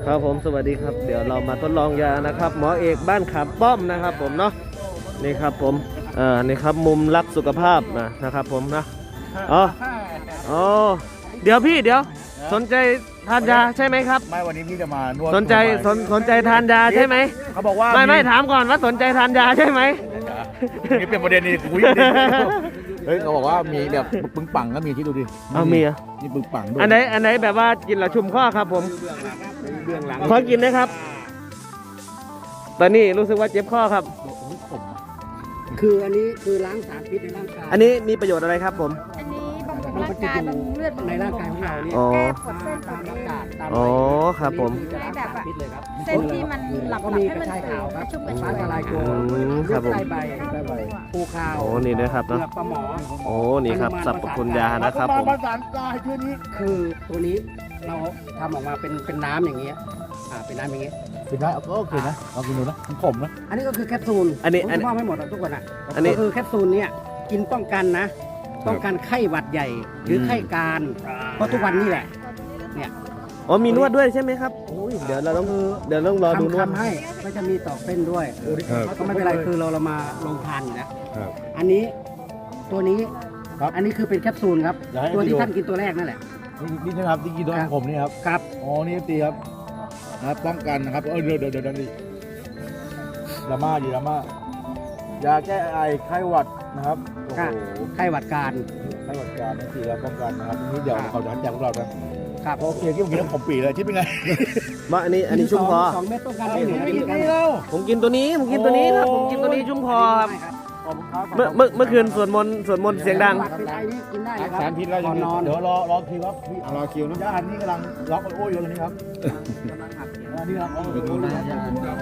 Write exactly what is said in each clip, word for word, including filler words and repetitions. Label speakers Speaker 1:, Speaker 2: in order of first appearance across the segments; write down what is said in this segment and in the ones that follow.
Speaker 1: ครับผมสวัสดีครับเดี๋ยวเรามาทดลองยานะครับหมอเอกบ้านขามป้อมนะครับผมเนาะนี่ครับผมเอ่อนี่ครับมุมรักสุขภาพนะนะครับผมนะอ๋ออ๋อเดี๋ยวพี่เดี๋ยวสนใจทานยาใช่ไหมครับ
Speaker 2: ไม่วันนี้พี่จะมานวด
Speaker 1: สนใจสนสนใจทานยาใช่ไหม
Speaker 2: เขาบอกว่า
Speaker 1: ไม่ไม่ถามก่อนว่าสนใจทานยาใช่ไหม
Speaker 2: นี่เป็นประเด็นนี่คุยเฮ้ยเขาบอกว่ามีแบบปึ้งปังก็มีที่ดูดิ
Speaker 1: เอามีอ่ะ
Speaker 2: นี่ปึ้งปังด้วย
Speaker 1: อันไหนอันไหนแบบว่ากินแล้วชุ่มข้อครับผมขอกินนะครับตอนนี้รู้สึกว่าเจ็บข้อครับ
Speaker 3: คืออันนี้คือล้างสารพิษในร่างกาย
Speaker 1: อันนี้มีประโยชน์อะไรครับผม
Speaker 4: อันนี้บำรุงร่างกายบำรุงเลือดบำรุง
Speaker 3: ในร่างกายของเราเนี่ย
Speaker 1: อ๋อ
Speaker 4: แก้ปวดเส้นปว
Speaker 3: ตาม
Speaker 4: ดเอ
Speaker 3: อากาศ
Speaker 4: ง
Speaker 3: ตาม
Speaker 1: อ๋อครับผม
Speaker 3: จะล้างสารพิษเลยครับ
Speaker 4: เส้นที่มันหลับ
Speaker 3: ก็
Speaker 4: หลับ
Speaker 3: มี
Speaker 4: ให้
Speaker 3: ก
Speaker 4: มั
Speaker 3: ระ
Speaker 4: น
Speaker 3: ชาย
Speaker 4: ตื่
Speaker 3: ขาวน ครับ
Speaker 4: ชุ่มก
Speaker 3: ก
Speaker 4: ระ
Speaker 3: ระ
Speaker 4: ชา
Speaker 3: ชาย ย
Speaker 4: ขาว
Speaker 3: ลายโจ
Speaker 1: อืมครับผม
Speaker 3: ใต้ใบภูคาว
Speaker 1: โอ้นี่นะครับเนาะ
Speaker 3: เปลือกปลาหมอ
Speaker 1: โอ้นี่ครับสรรพคุณยานะครับผม
Speaker 2: ประสานกายชื่อนี้
Speaker 3: คือตัวนี้เราทำออกมาเป็นเป็นน้ำอย่างเงี้ยอ่าเป็นน้ำอย่างเงี้ย
Speaker 2: เป็นได้ก็โอเคนะลองกินดูนะมันขมนะ
Speaker 3: อันนี้ก็คือแคปซูล
Speaker 1: อันนี้
Speaker 3: ผม
Speaker 1: อัน
Speaker 3: จะมอบให้หมดอะทุกคนอ่ะ
Speaker 1: อันนี้
Speaker 3: ก็คือแคปซูลเนี่ยกินป้องกันนะป้องกันไข้หวัดใหญ่ หรือไข้การเพราะทุกวันนี้แหละเนี่ย
Speaker 1: อ๋อมีนวดด้วยใช่ไหมครับโอ้ยเดี๋ยวเราต้องเดี๋ยวต้องรอดูนวด
Speaker 3: ทำให้ก็จะมีตอกเส้นด้วยก็ไม่เป็นไรคือเราเรามาลงทานอยู่แล้ว
Speaker 2: ครับ
Speaker 3: อันนี้ตัวนี้
Speaker 2: ครับ
Speaker 3: อันนี้คือเป็นแคปซูลครับ
Speaker 2: อยากให้
Speaker 3: ตัวที่
Speaker 2: ดู
Speaker 3: ท่านกินตัวแรกนั่นแหละ
Speaker 2: นี่นี่นะครับที่กินด้วยของผมนี่ครับ
Speaker 3: ครับ
Speaker 2: อ๋อนี่ตีครับนะครับป้องกันนะครับเออเดี๋ยวเดี๋ยวเดี๋ยวนี่ดราม่าดีดราม่ายาแก้ไอไข้หวัดนะครับโอ้โห
Speaker 3: ไข้หวัดการ
Speaker 2: ไข้หวัดการนี่ตีแล้วป้องกันนะครับทีนี้เดี๋ยวเขาจะแจกพวกเรานะ
Speaker 3: ครับ
Speaker 2: โอเคที่ผมกินแล้วผมปีเลยที่เป็นไง
Speaker 1: มาอันนี้อันนี้ชุ่มคอ
Speaker 3: สองเม็ดป้องกันได้หนึ่งอา
Speaker 2: ไม่
Speaker 3: ทิ
Speaker 2: กิ
Speaker 3: ต
Speaker 2: น
Speaker 3: ย์
Speaker 2: นี่แล้ว
Speaker 1: ผมกินตัวนี้ผมกินตัวนี้ครับผมกินตัวนี้ชุ่มคอครับ
Speaker 2: ขอบคุณครับ
Speaker 1: เมื่อเมื่อเมื่อคืนสวดมนต์สวดมนต์เสียงดัง
Speaker 3: หวัดเป็นไอนี่กินได้เลยครับ
Speaker 2: สารพิษแล้ว
Speaker 3: ก่อนนอน
Speaker 2: เดี๋ยวรอรอคิวครับพี่รอคิวนะญาตินี่กำลังล็อกโอ้ยอยู่ตรงนี้ครับนี่ครับไปดูนะญาติ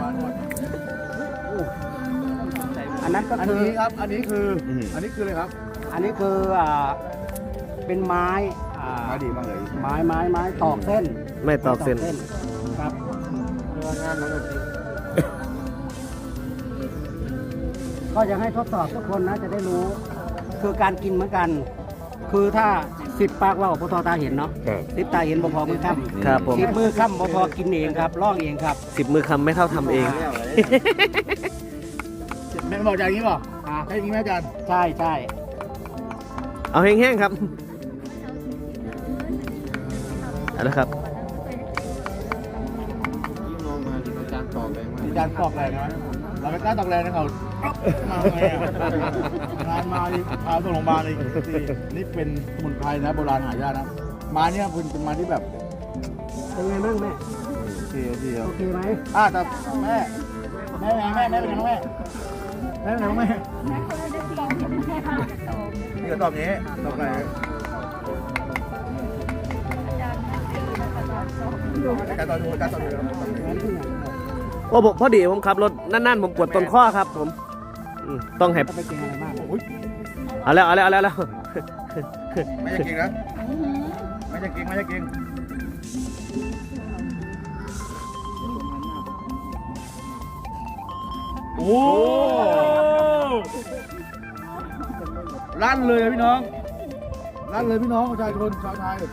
Speaker 3: อันนั้นก็
Speaker 2: อัน
Speaker 3: คือ
Speaker 2: นี้ครับอันนี้คืออันนี้คืออะไรครับ
Speaker 3: อันนี้คืออ่าเป็นไม้อ่า
Speaker 2: มาดีมากเลย
Speaker 3: ไม้ไม้ไม้ตอกเส้น
Speaker 1: ไม่ตอกเส้น
Speaker 3: ครับก็อยากให้ทดสอบทุกคนนะจะได้รู้ คือการกินเหมือนกัน คือถ้าสิบปากว่าพอทอตาเห็นเนาะสิบตาเห็นบ่พอมือค่ำ
Speaker 1: ครับผม
Speaker 3: สิบมือค่ำบ่พอกินเองครับลอกเองครับ
Speaker 1: สิบมือคำไม่เท่าทำเอง
Speaker 2: แม่บอกอย่างนี้ป่ะใช่อย่างนี้ไหมอาจารย์
Speaker 3: ใช่ใช่
Speaker 1: เอาแห้งๆครับเอาละครับ
Speaker 2: อาจารย์ตอกแรงนะเราไม่กล้าตอกแรงนะเขามาไงงานมาพาส่งโรงพยาบาลอีกนี่เป็นสมุนไพรนะโบราณหายากนะมาเนี่ยเป็นเป็นมาที่แบบ
Speaker 3: เป็นไงบ้างแม่
Speaker 2: โอเคโอเค
Speaker 3: โอเคไหม
Speaker 2: อ่าแต่แม่แม่แม่แม่เป็นยังไงแม่แม่เป็นยังไงแม่นี่ก็ตอบนี้ตอบอะไรการต่อดูการต่อดู
Speaker 1: ว่าผมพอดีผมขับรถนั่นๆผมปวดต้นข้อครับผมอืมต้องให้
Speaker 3: จะไปกินอะไรบ้าง
Speaker 1: เอาแล้วเอาแล้วเอาแล้วเอาแล้ว
Speaker 2: ไม่จะกินนะไม่จะกินไม่จะกินโอ้ลั่นเลยพี่น้องลั่นเลยพี่น้องประชาชนชาวไทย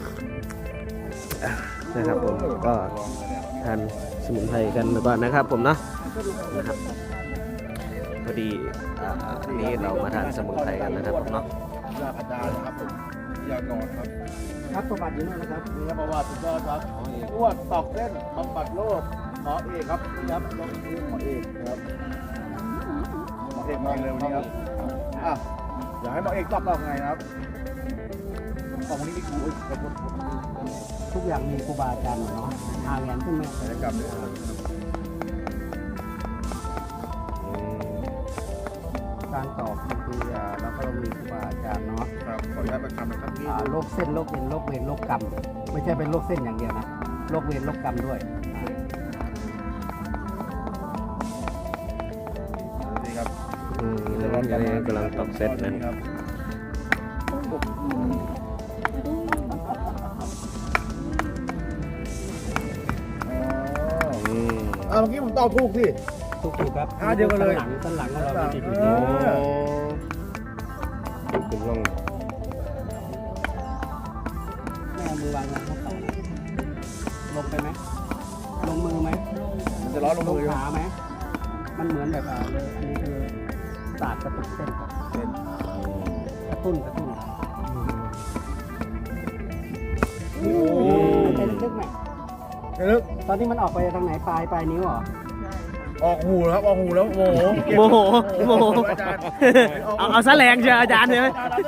Speaker 1: นะครับผมก็ทานสมุนไพรกันก่อนนะครับผมเนาะนะครับพอดีอ่าอันนี้เรามาทานสมุนไพรกันนะครับผมเนาะ
Speaker 2: ยาพัดดานะครับผมยานอนครับ
Speaker 3: ครับประวัติอยู่นั่นนะครับ
Speaker 2: นี่ครับประวัติสุดยอดครับอ้วนตอกเส้นบำบัดโรคหมอเอกครับนี่ครับลองดูหมอเอกนะครับหมอเอกมาเร็วนี้ครับอ่ะอยากให้หมอเอกตอบเราไงนะครับของนี้นี่คือโอ้ยขอบคุณ
Speaker 3: ทุกอย่างมีครูบาอาจารย์หมดเนาะทางแอนขึ้นไหม
Speaker 2: ศัลยกรรมด้วยครับ
Speaker 3: การตอบบางทีอ่าเราก็ต้องมีครูบาอาจารย์เนาะ
Speaker 2: ครับขออนุญาตประคำนะครับพี่
Speaker 3: อ่าโรคเส้นโรคเอ็นโรคเวรโรคกรรมไม่ใช่เป็นโรคเส้นอย่างเดียวนะโรคเวรโรคกรรมด้วย
Speaker 2: นี่ครับ
Speaker 1: อืมอันนี้กำลังตอกเซตนั้น
Speaker 2: ครับ
Speaker 1: อืม
Speaker 2: อ่าเมื่อกี้ผมตอบถูกสิ
Speaker 3: ถูกถูกครับ
Speaker 2: อ่าเดียวกันเลย
Speaker 3: สันหลังสันหลังของเรามันจะอยู่
Speaker 2: เอ
Speaker 3: ที่
Speaker 2: อ
Speaker 1: คุณลอง
Speaker 3: แม่เอามือวางลงเขาเข่าลงไปไหมลงมือไหม
Speaker 2: มันจะร้อนลง
Speaker 3: ล
Speaker 2: มื
Speaker 3: ง
Speaker 2: อ
Speaker 3: ขาไหมมันเหมือนแบบอ่าเลยอันนี้คือศาสตร์กระตุกเส้น
Speaker 2: เป็น
Speaker 3: กระตุ้นกระตุ้น
Speaker 2: โอ้
Speaker 3: เป็นลึกไหม
Speaker 2: ลึก
Speaker 3: ตอนนี้มันออกไปทางไหนปลายปลายนิ้วเหรอ
Speaker 2: ออกหูแล้วออกหูแล้วโมโห
Speaker 1: โมโหโมโห
Speaker 2: อาจารย์
Speaker 1: เอาเอาซะแรงเชียวอาจารย์ใช่ไหม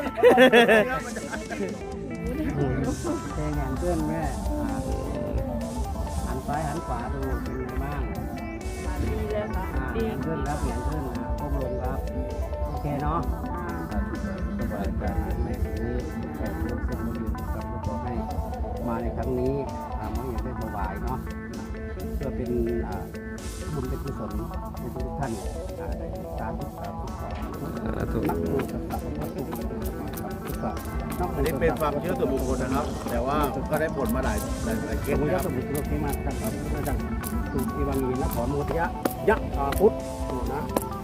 Speaker 3: เพลงแห่งเพื่อนแม่อ่าหันซ้ายหันขวาดูเป็นไงบ้าง
Speaker 4: ดีเลยค่ะ
Speaker 3: อ่า
Speaker 4: ดี
Speaker 3: เปลี่ยนขึ้นครับเปลี่ยนขึ้นนะก้มลงครับโอเคเนาะสบายใจแม่นี้แขกรับเชิญมาอยู่กับขอให้มาในครั้งนี้ทำให้อย่างได้ถวายเนาะเพื่อเป็นอ่าบุญเป็นกุศลให้ทุกท่านอ่าได้สาธุสาธุสาธุ
Speaker 1: ถูก
Speaker 3: นักบุญกับนักบุญกับนักบุญ
Speaker 2: อันนี้เป็นความเชื่อส่วนบุคคลนะครับ แต่ว่าก็ได้ผลมาหลายหลายหลายเค
Speaker 3: เกี่ย
Speaker 2: ส
Speaker 3: ว
Speaker 2: นะ
Speaker 3: กั
Speaker 2: ค
Speaker 3: บ
Speaker 2: รับ
Speaker 3: สมุทรโลกที่มาตั้งแต่พระเจ้าสุอีวังยีนครโมทยะยะอาพุทธถูกนะ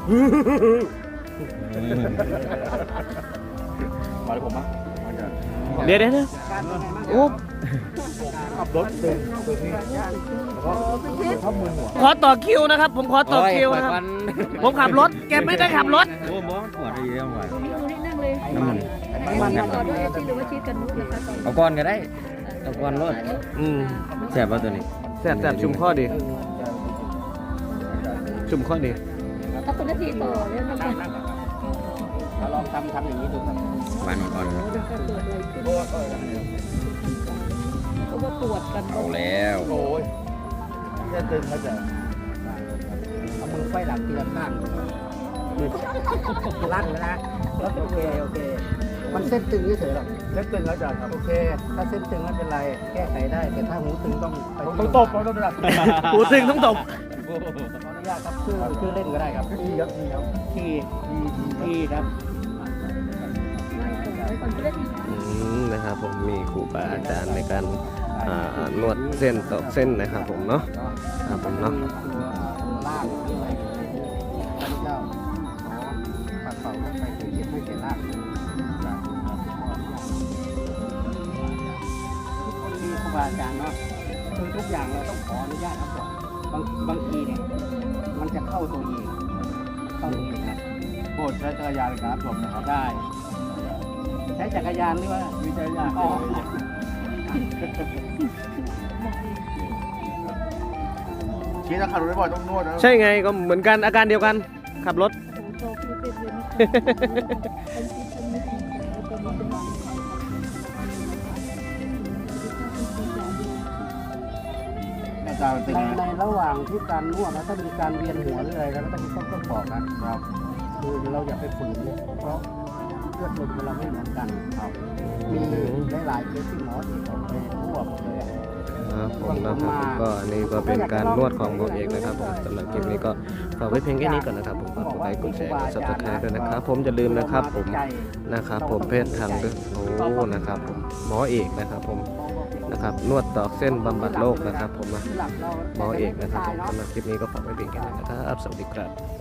Speaker 2: มาเลยผมมั้งมันจะ
Speaker 1: เดี๋ยวเดี๋ยวเดี๋ยว
Speaker 3: การเป็นไงบ้าง
Speaker 1: โอ้
Speaker 2: ขับรถเดินเดินนี่แล้วก็เข้ามือหัว
Speaker 1: ขอต่อคิวนะครับ ผมขอต่อคิวนะครับ ผมขับรถแกไม่ได้ขับรถ
Speaker 5: โอ้โหปวดอะไรเยอะว่ะ
Speaker 4: ดูนี่ดูนี่นั่งเลย
Speaker 5: น้ำมัน
Speaker 3: มัน
Speaker 4: ก่
Speaker 3: มั
Speaker 4: อน
Speaker 3: น
Speaker 4: ด้วยชีหรือว่าชีกันนุกเลยคะก่อน
Speaker 5: เอาก้อนก็ได้เอาก้อนรถ
Speaker 1: อืม
Speaker 5: แสบป่ะตัวนี้
Speaker 1: แสบแสบชุมข้อดี ชุมข้อดี
Speaker 4: ถ้าเป็นนาทีต่อเนี่ยมันจะ
Speaker 3: เราลองทำทำอย่างนี้ดูครับ
Speaker 5: หวานอ่อน
Speaker 4: เกิดอะไรขึ้นเพราะว่าปวดกัน
Speaker 5: ๆเอาแล้ว
Speaker 2: โอ้ยแค่ตึงเขาจะ
Speaker 3: เอามือไฟหลังทีละข้างลั่นแล้วนะโอเคโอเค มันเส้นตึงเฉยๆหรอก
Speaker 2: แค่ตึงเขาจะครับ
Speaker 3: โอเค ถ้าเส้นตึงไม่เป็นไร แก้ไขได้ แต่ถ้าหูตึงต้องไป
Speaker 2: ต้องตบต้องตบระดับ
Speaker 1: หูตึงต้องตบ
Speaker 3: ขออนุญาตครับชื่อชื่อเล่นก็ได้ครับ
Speaker 2: ทีครับทีครับ
Speaker 3: ทีทีครับ
Speaker 4: ไม่ก่อนจะได้
Speaker 1: อืมนะครับผมมีครูบาอาจารย์ในการอ่านวดเส้นตอกเส้นนะครับผมเนาะครับผมเนาะ
Speaker 3: ล่างด้วยพระเจ้าขอปัดเป่าลงไปถึงเจ็บไม่เจ็บล่างทุกคนมีครูบาอาจารย์เนาะคือทุกอย่างเราต้องขออนุญาตครับก่อนบางบางทีเนี่ยมันจะเข้าตัวเองเข้าตัวเองนะ
Speaker 2: โปรดใช้จักรยานในการรับชมนะครับ
Speaker 3: ได้ ใช้จักรยานหรือว่า
Speaker 2: มีจักรยาน
Speaker 3: อ๋อ
Speaker 2: ชี้ถ้าขับรถไม่บ่อยต้องนวดนะ
Speaker 1: ใช่ไงก็เหมือนกันอาการเดียวกัน ขับรถ
Speaker 4: โตคือเป็นเดือนนี้เป็นชีวิตไม่ถึงตัวนี้เป็นวัน
Speaker 2: อาจารย์เป็น
Speaker 3: ใน
Speaker 2: ไง
Speaker 3: ในระหว่างที่การนวดนะถ้ามีการเวียนหัวหรืออะไรแล้วต้องต้องต้องบอกนะครับ คือเราอย่าไปฝืนเพราะเลือดลมของเราไม่เหมือนกันครับมีหลายๆเคสที่หมอที่เขาไปรั่วหมดเลยอะ
Speaker 1: ครับผมนะครับผมก็อันนี้ก็เป็นการนวดของหมอเอกนะครับผมสำหรับคลิปนี้ก็ฝากไว้เพียงแค่นี้ก่อนนะครับผมฝากกดไลค์กดแชร์กดซับสไครต์ด้วยนะครับผมอย่าลืมนะครับผมนะครับผมเพศทางด้วยโอ้นะครับผมหมอเอกนะครับผมนะครับนวดตอกเส้นบำบัดโรคนะครับผมนะหมอเอกนะครับผมสำหรับคลิปนี้ก็ฝากไว้เพียงแค่นี้นะครับสวัสดีครับ